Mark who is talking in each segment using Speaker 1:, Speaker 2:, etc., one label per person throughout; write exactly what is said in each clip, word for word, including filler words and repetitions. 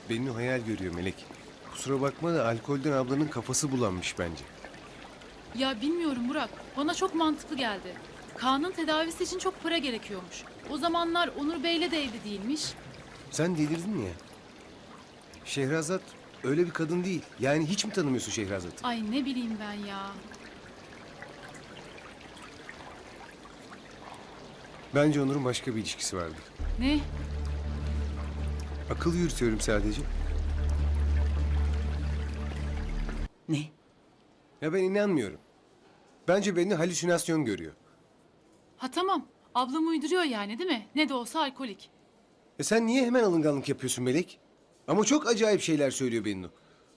Speaker 1: Bennu hayal görüyor Melek. Kusura bakma da alkolden ablanın kafası bulanmış bence.
Speaker 2: Ya bilmiyorum Burak. Bana çok mantıklı geldi. Kaan'ın tedavisi için çok para gerekiyormuş. O zamanlar Onur Bey'le de evli değilmiş.
Speaker 1: Sen delirdin mi ya? Şehrazat öyle bir kadın değil. Yani hiç mi tanımıyorsun Şehrazat'ı?
Speaker 2: Ay ne bileyim ben ya.
Speaker 1: Bence Onur'un başka bir ilişkisi vardır.
Speaker 2: Ne?
Speaker 1: Akıl yürütüyorum sadece.
Speaker 3: Ne?
Speaker 1: Ya ben inanmıyorum. Bence Bennu halüsinasyon görüyor.
Speaker 2: Ha tamam. Ablam uyduruyor yani değil mi? Ne de olsa alkolik.
Speaker 1: E sen niye hemen alınganlık yapıyorsun Melek? Ama çok acayip şeyler söylüyor Bennu.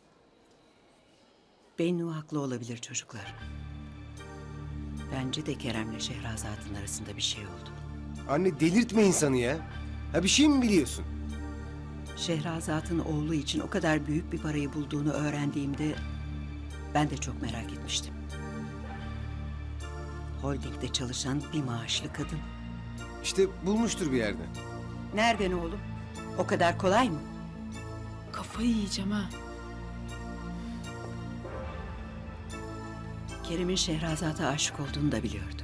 Speaker 3: Bennu haklı olabilir çocuklar. Bence de Kerem'le Şehrazat'ın arasında bir şey oldu.
Speaker 1: Anne delirtme insanı ya. Ha bir şey mi biliyorsun?
Speaker 3: Şehrazat'ın oğlu için o kadar büyük bir parayı bulduğunu öğrendiğimde ben de çok merak etmiştim. Holding'de çalışan bir maaşlı kadın.
Speaker 1: İşte bulmuştur bir yerden.
Speaker 3: Nereden oğlum? O kadar kolay mı?
Speaker 2: Kafayı yiyeceğim ha.
Speaker 3: Kerem'in Şehrazat'a aşık olduğunu da biliyordum.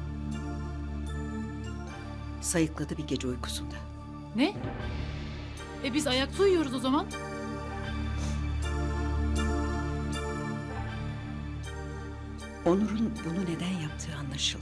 Speaker 3: Sayıkladı bir gece uykusunda.
Speaker 2: Ne? E biz ayakta uyuyoruz o zaman.
Speaker 3: Onur'un bunu neden yaptığı anlaşıldı.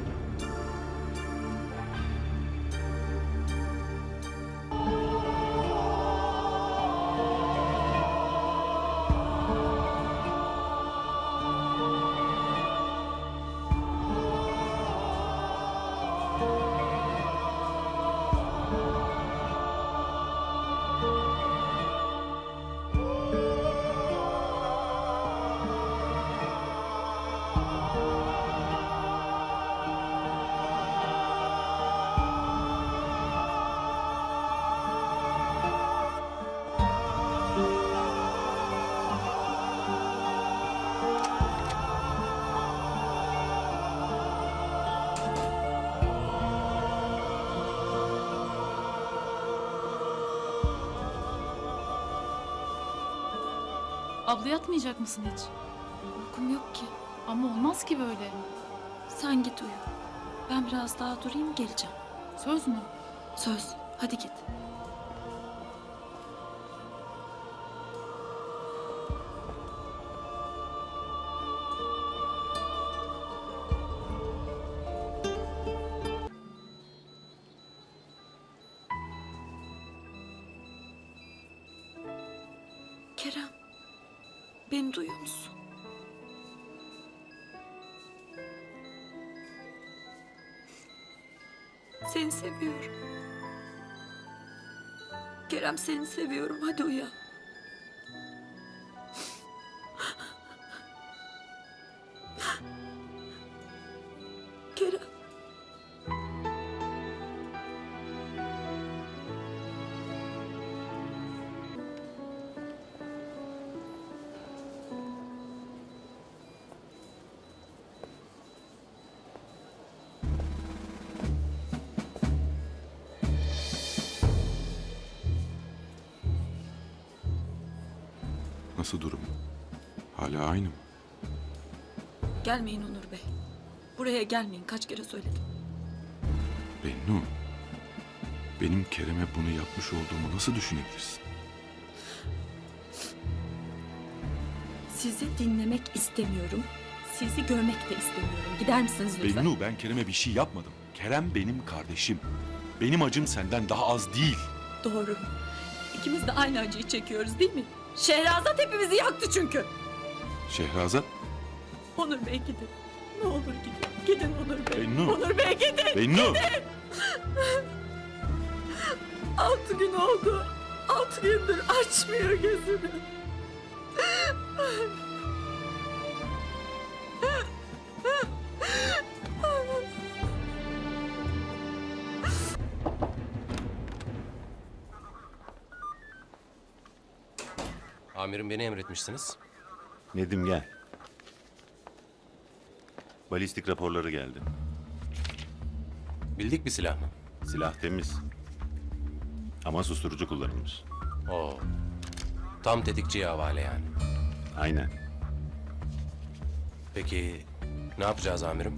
Speaker 2: Abla yatmayacak mısın hiç?
Speaker 4: Uykum yok ki.
Speaker 2: Ama olmaz ki böyle.
Speaker 4: Sen git uyu. Ben biraz daha durayım geleceğim.
Speaker 2: Söz mü?
Speaker 4: Söz. Hadi git. Kerem. Beni duyuyor musun? Seni seviyorum. Kerem seni seviyorum. Hadi uyan. Kerem.
Speaker 5: Nasıl durum? Hala aynı mı?
Speaker 4: Gelmeyin Onur Bey. Buraya gelmeyin. Kaç kere söyledim.
Speaker 5: Bennu, benim Kerem'e bunu yapmış olduğumu nasıl düşünebilirsin?
Speaker 4: Sizi dinlemek istemiyorum. Sizi görmek de istemiyorum. Gider misiniz lütfen?
Speaker 5: Bennu, ben Kerem'e bir şey yapmadım. Kerem benim kardeşim. Benim acım senden daha az değil.
Speaker 4: Doğru. İkimiz de aynı acıyı çekiyoruz değil mi? Şehrazat hepimizi yaktı çünkü.
Speaker 5: Şehrazat,
Speaker 4: Onur Bey gidin. Ne olur gidin. Gidin Onur Bey.
Speaker 5: Bennu.
Speaker 4: Onur Bey gidin.
Speaker 5: Bennu!
Speaker 4: Altı gün oldu. Altı gündür açmıyor gözünü.
Speaker 6: Amirim beni emretmişsiniz.
Speaker 7: Nedim gel. Balistik raporları geldi.
Speaker 6: Bildik bir silah mı?
Speaker 7: Silah temiz. Ama susturucu kullanılmış.
Speaker 6: Oo. Tam tetikçiye havale yani.
Speaker 7: Aynen.
Speaker 6: Peki ne yapacağız amirim?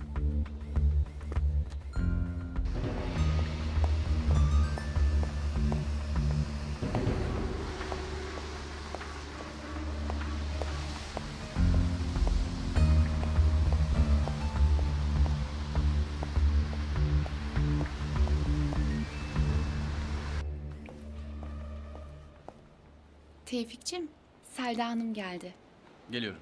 Speaker 8: Tevfikçim, Selda Hanım geldi.
Speaker 9: Geliyorum.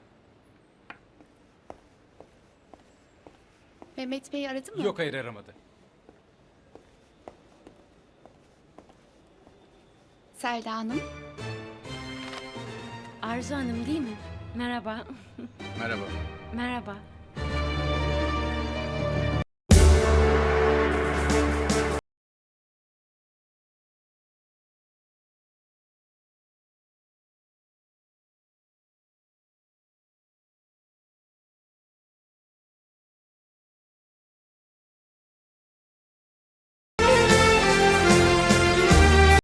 Speaker 8: Mehmet Bey aradı mı?
Speaker 9: Yok hayır aramadı.
Speaker 8: Selda Hanım,
Speaker 10: Arzu Hanım değil mi? Merhaba.
Speaker 9: Merhaba.
Speaker 10: Merhaba.